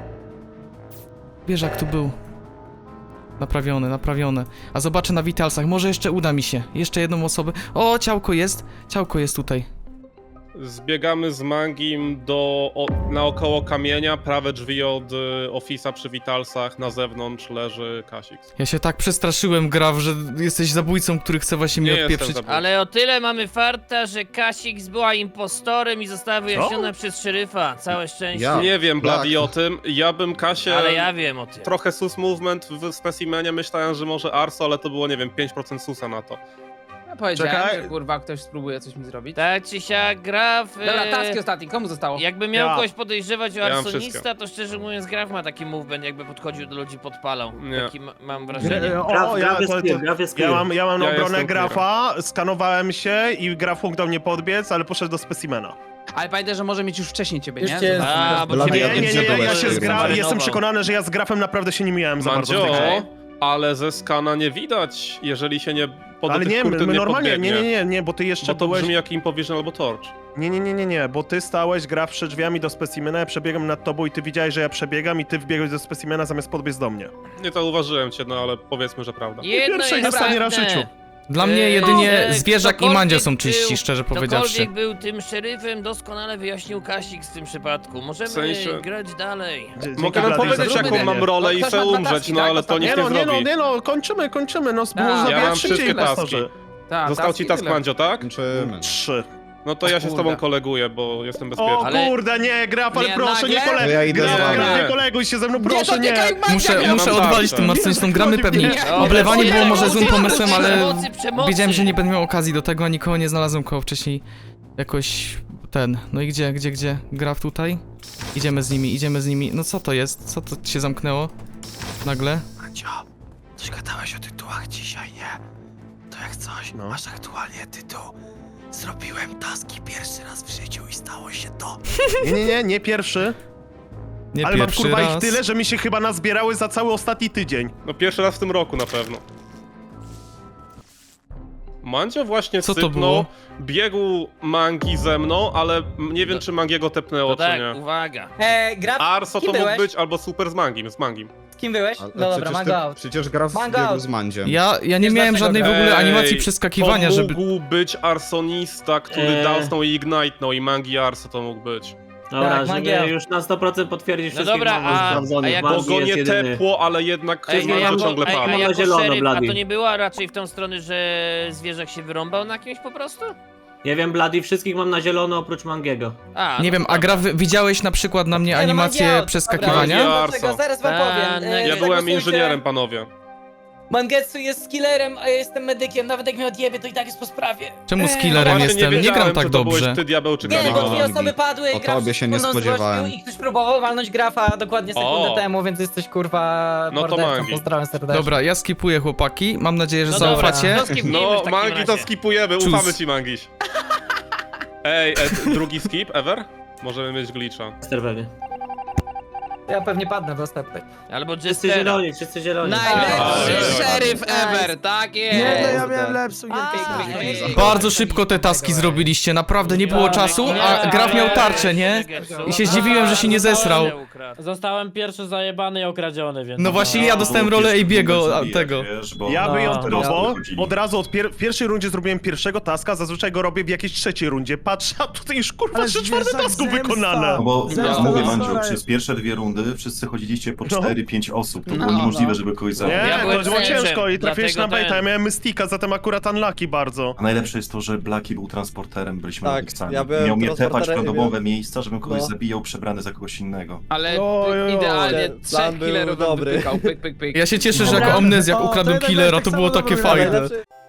Speaker 1: Zwierzak tu był. Naprawione, naprawione. A zobaczę na Vitalsach, może jeszcze uda mi się. Jeszcze jedną osobę. O, ciałko jest. Ciałko jest tutaj.
Speaker 2: Zbiegamy z Mangim naokoło kamienia, prawe drzwi od Office'a przy Vitalsach, na zewnątrz leży Kasix.
Speaker 1: Ja się tak przestraszyłem, Graf, że jesteś zabójcą, który chce właśnie mnie
Speaker 2: Nie jestem
Speaker 1: odpieprzyć.
Speaker 2: zabójcą.
Speaker 5: Ale o tyle mamy farta, że Kasix była impostorem i została wyjaśniona przez szeryfa. Całe szczęście.
Speaker 9: Ja.
Speaker 2: Nie wiem, Bloody,
Speaker 9: Tak.
Speaker 2: o tym. Ja bym Kasię...
Speaker 5: Ale ja wiem o tym.
Speaker 2: Trochę sus movement w specimenie, myślałem, że może Arso, ale to było, nie wiem, 5% susa na to.
Speaker 11: Ja powiedziałem,
Speaker 7: Czekaj.
Speaker 11: że kurwa ktoś spróbuje coś mi zrobić.
Speaker 5: Tak czy siak, Graf...
Speaker 11: Dobra, taski ostatni, komu zostało?
Speaker 5: Jakby miał
Speaker 7: Ja.
Speaker 5: kogoś podejrzewać o
Speaker 2: Ja mam
Speaker 5: arsonista,
Speaker 2: wszystko.
Speaker 5: to szczerze mówiąc Graf ma taki movement, jakby podchodził do ludzi, podpalał.
Speaker 2: Nie.
Speaker 5: Taki mam wrażenie.
Speaker 7: Ja mam na
Speaker 2: Ja
Speaker 7: obronę
Speaker 2: jestem
Speaker 7: Grafa, skanowałem się i Graf mógł do mnie podbiec, ale poszedł do specimena.
Speaker 11: Ale pamiętaj, że może mieć już wcześniej ciebie,
Speaker 8: Już
Speaker 11: nie?
Speaker 8: cię-
Speaker 5: A, bo
Speaker 9: Blady,
Speaker 5: ciebie
Speaker 9: ja
Speaker 7: Nie,
Speaker 9: wiem, gdzie
Speaker 7: ja się
Speaker 9: byłeś,
Speaker 7: jestem przekonany, że ja z Grafem naprawdę się nie mijałem za bardzo w tej grze.
Speaker 2: Mandzio, ale ze skana nie widać, jeżeli się nie
Speaker 7: Ale
Speaker 2: tych
Speaker 7: nie,
Speaker 2: kurtyn
Speaker 7: my
Speaker 2: nie
Speaker 7: normalnie,
Speaker 2: podbiegnie.
Speaker 7: nie, bo ty jeszcze
Speaker 2: Bo to
Speaker 7: byłeś...
Speaker 2: brzmi jak Impovision albo Torch.
Speaker 7: Nie, bo ty stałeś, Graf przed drzwiami do specimena, ja przebiegam nad tobą i ty widziałeś, że ja przebiegam i ty wbiegłeś do specimena zamiast podbiec do mnie.
Speaker 2: Nie zauważyłem cię, no ale powiedzmy, że prawda.
Speaker 5: Jedno
Speaker 7: Pierwsze i
Speaker 5: jest
Speaker 7: ostatni raz w
Speaker 5: pewne.
Speaker 7: życiu.
Speaker 1: Dla mnie jedynie zwierzak i
Speaker 5: ktokolwiek
Speaker 1: Mandzio są czyści,
Speaker 5: był-
Speaker 1: szczerze powiedziawszy.
Speaker 5: Ktokolwiek był tym szeryfem, doskonale wyjaśnił Kasik w tym przypadku. Możemy
Speaker 2: W sensie-
Speaker 5: grać dalej.
Speaker 2: Mogę wam
Speaker 7: Blady,
Speaker 2: powiedzieć,
Speaker 7: zróbmy
Speaker 2: jaką mam
Speaker 7: nie.
Speaker 2: rolę
Speaker 11: No,
Speaker 2: i
Speaker 11: ktoś
Speaker 2: chcę
Speaker 11: ma dwa
Speaker 2: umrzeć,
Speaker 11: taski,
Speaker 2: no
Speaker 11: tak?
Speaker 2: ale to nikt
Speaker 7: Nie
Speaker 2: nie zrobi.
Speaker 7: kończymy, no
Speaker 11: Tak.
Speaker 7: można
Speaker 2: Ja
Speaker 7: ja
Speaker 2: mam
Speaker 7: szybciej
Speaker 2: wszystkie taski.
Speaker 7: impostorzy.
Speaker 11: Ta,
Speaker 2: Został
Speaker 11: taski
Speaker 2: ci task,
Speaker 11: tyle.
Speaker 2: Mandzio, tak?
Speaker 9: Kończymy.
Speaker 7: 3.
Speaker 2: No to ja się z tobą
Speaker 11: kurde.
Speaker 2: koleguję, bo jestem
Speaker 7: O
Speaker 2: bezpieczny.
Speaker 5: Ale-
Speaker 7: kurde, nie, Graf, ale
Speaker 11: Nie,
Speaker 7: proszę, nie
Speaker 11: nagle?
Speaker 7: koleguj.
Speaker 9: To ja idę z wami.
Speaker 7: Graf, nie
Speaker 2: Nie.
Speaker 7: koleguj się ze mną,
Speaker 11: Nie,
Speaker 7: proszę, nie.
Speaker 11: dotykaj Mandzia,
Speaker 1: Muszę
Speaker 2: Ja mam
Speaker 1: odwalić
Speaker 2: tarczę.
Speaker 1: tym arsonistą, gramy pewnie
Speaker 11: Nie,
Speaker 1: oblewani
Speaker 5: nie,
Speaker 1: było
Speaker 5: nie,
Speaker 1: może
Speaker 5: nie,
Speaker 1: złym
Speaker 5: nie,
Speaker 1: pomysłem,
Speaker 5: nie,
Speaker 1: ale
Speaker 5: przemocy.
Speaker 1: wiedziałem, że nie będę miał okazji do tego, a nikogo nie znalazłem koło wcześniej jakoś ten. No i gdzie? Graf tutaj? Idziemy z nimi. No co to jest? Co to się zamknęło? Nagle?
Speaker 6: Mandzio, coś gadałeś o tytułach dzisiaj, nie? To jak coś,
Speaker 7: No.
Speaker 6: masz aktualnie tytuł. Zrobiłem taski pierwszy raz w życiu i stało się to.
Speaker 7: Nie pierwszy.
Speaker 1: Nie
Speaker 7: Ale mam
Speaker 1: pierwszy
Speaker 7: kurwa
Speaker 1: raz.
Speaker 7: ich tyle, że mi się chyba nazbierały za cały ostatni tydzień.
Speaker 2: No pierwszy raz w tym roku na pewno. Mandzio właśnie
Speaker 1: Co to
Speaker 2: sypnął,
Speaker 1: było?
Speaker 2: biegł Mangi ze mną, ale nie wiem, czy Mangiego tepnęło,
Speaker 5: To
Speaker 2: czy
Speaker 5: tak,
Speaker 2: nie.
Speaker 5: uwaga.
Speaker 8: Graf,
Speaker 2: Arso
Speaker 8: kim
Speaker 2: to mógł
Speaker 8: byłeś?
Speaker 2: być albo super z Mangim,
Speaker 8: Z kim byłeś?
Speaker 9: Ale
Speaker 8: No dobra,
Speaker 9: przecież
Speaker 8: mango out.
Speaker 9: Przecież Graf
Speaker 8: Mango
Speaker 9: biegł
Speaker 8: out.
Speaker 9: z Mandziem.
Speaker 1: Ja nie
Speaker 8: Wiesz
Speaker 1: miałem
Speaker 8: dlaczego
Speaker 1: żadnej w ogóle
Speaker 2: Ej,
Speaker 1: animacji przeskakiwania,
Speaker 2: to
Speaker 1: żeby...
Speaker 2: mógł być arsonista, który dałsnął i ignite'nął i Mangi Arso to mógł być.
Speaker 8: Dobra,
Speaker 13: Dobra,
Speaker 8: żeby
Speaker 13: żeby już na 100% potwierdzić
Speaker 5: No
Speaker 13: wszystkich
Speaker 5: dobra,
Speaker 13: mamów
Speaker 5: a
Speaker 13: sprawdzonych.
Speaker 5: jak-
Speaker 2: Bo
Speaker 13: Mangi
Speaker 2: go
Speaker 13: jest
Speaker 2: nie
Speaker 13: jedyny.
Speaker 2: tepło, ale jednak
Speaker 5: Ej,
Speaker 2: Mandzio
Speaker 13: ja-
Speaker 2: ciągle
Speaker 13: ej,
Speaker 2: padł.
Speaker 13: mam na
Speaker 5: jako
Speaker 13: zielono,
Speaker 5: szeryf, a
Speaker 13: Blady.
Speaker 5: to nie była raczej w tą stronę, że zwierzak się wyrąbał na kimś po prostu?
Speaker 13: Nie wiem, Bloody, wszystkich mam na zielono oprócz Mangiego.
Speaker 5: A,
Speaker 1: Nie
Speaker 5: no
Speaker 1: wiem,
Speaker 5: to
Speaker 1: a Graf, widziałeś na przykład na mnie
Speaker 8: Nie, no,
Speaker 1: animację
Speaker 8: Mandzio,
Speaker 1: przeskakiwania?
Speaker 2: dobra.
Speaker 8: Dlaczego? Zaraz wam
Speaker 5: A,
Speaker 8: powiem.
Speaker 5: ja
Speaker 2: Ja byłem
Speaker 8: Zagłosujcie-
Speaker 2: inżynierem, panowie.
Speaker 8: Mangetsu jest killerem, a ja jestem medykiem. Nawet jak mnie odjebie, to i tak jest po sprawie.
Speaker 1: Czemu z killerem
Speaker 2: Właśnie
Speaker 1: jestem? Nie
Speaker 2: wiedziałem,
Speaker 1: gram tak
Speaker 2: czy to byłeś
Speaker 1: dobrze.
Speaker 2: ty, diabeł, czy
Speaker 8: Nie, bo
Speaker 2: Gabi.
Speaker 8: dwie osoby padły,
Speaker 9: O
Speaker 8: graf
Speaker 9: tobie się nie
Speaker 8: sekundą
Speaker 9: spodziewałem.
Speaker 8: zgłosił i ktoś próbował walnąć grafa dokładnie sekundę
Speaker 2: O.
Speaker 8: temu, więc jesteś kurwa
Speaker 2: No to
Speaker 8: mordercą.
Speaker 2: Mangi.
Speaker 8: Pozdrawiam serdecznie.
Speaker 1: Dobra, ja skipuję chłopaki. Mam nadzieję, że
Speaker 3: No dobra.
Speaker 1: zaufacie.
Speaker 5: To skipnijmy w
Speaker 2: No,
Speaker 5: takim
Speaker 2: Mangi to
Speaker 5: razie.
Speaker 2: skipujemy,
Speaker 1: Czus.
Speaker 2: ufamy ci, Mangiś. Ej, drugi skip ever? Możemy mieć glitcha.
Speaker 13: Jester pewnie.
Speaker 8: Ja pewnie padnę w ostatniej.
Speaker 5: Albo
Speaker 13: Wszyscy
Speaker 5: Jestera.
Speaker 13: zieloni, wszyscy zieloni.
Speaker 11: Najlepszy szeryf
Speaker 8: Nice.
Speaker 11: ever, tak jest!
Speaker 6: Nie, no ja miałem lepszą gierkę.
Speaker 1: Bardzo szybko te taski zrobiliście, naprawdę nie było czasu, a Graf miał tarczę, nie? I się zdziwiłem, że się nie zesrał.
Speaker 10: Zostałem pierwszy zajebany i okradziony, więc...
Speaker 1: No właśnie ja dostałem rolę AB'ego, a tego.
Speaker 4: Wiesz, bo
Speaker 7: Ja
Speaker 10: No.
Speaker 7: wyjątkowo
Speaker 4: wychodzili.
Speaker 7: od razu w pierwszej rundzie zrobiłem pierwszego taska, zazwyczaj go robię w jakiejś trzeciej rundzie. Patrz, a tutaj już kurwa
Speaker 6: Ale
Speaker 7: 3/4
Speaker 6: zwierzak
Speaker 7: tasku
Speaker 6: zemsta.
Speaker 7: wykonane.
Speaker 4: No bo
Speaker 6: Zaraz
Speaker 4: mówię
Speaker 6: to
Speaker 4: wam, że
Speaker 6: zasraj.
Speaker 4: przez pierwsze 2 rundy wszyscy chodziliście po
Speaker 7: No.
Speaker 4: 4-5 osób. To było
Speaker 11: No,
Speaker 4: niemożliwe, żeby kogoś zabić.
Speaker 7: Nie,
Speaker 5: Ja
Speaker 7: to
Speaker 5: byłem
Speaker 7: było
Speaker 5: sędzią,
Speaker 7: ciężko i trafiłeś na
Speaker 5: dlatego
Speaker 7: baita, ja
Speaker 5: ten-
Speaker 7: miałem Mystika, zatem akurat unlucky bardzo.
Speaker 4: A najlepsze jest to, że Blaki był transporterem, byliśmy
Speaker 14: Tak,
Speaker 4: nabywcami.
Speaker 14: ja byłem
Speaker 4: Miał mnie tepać w
Speaker 14: transporterem i
Speaker 4: randomowe miejsca, żebym kogoś
Speaker 14: No.
Speaker 4: zabijał przebrany za kogoś innego.
Speaker 11: Ale
Speaker 7: Oj,
Speaker 11: idealnie
Speaker 14: ten
Speaker 11: trzech
Speaker 14: plan był
Speaker 11: killerów nam
Speaker 14: dobry.
Speaker 11: wypykał, pyk, pyk, pyk.
Speaker 1: Ja się cieszę, że
Speaker 6: Dobra.
Speaker 1: jako amnezjak
Speaker 6: O, to
Speaker 1: ukradłem
Speaker 6: jednak
Speaker 1: killera,
Speaker 6: tak
Speaker 1: to
Speaker 6: samo
Speaker 1: było takie
Speaker 6: dobry.
Speaker 1: fajne.
Speaker 14: Najlepszy-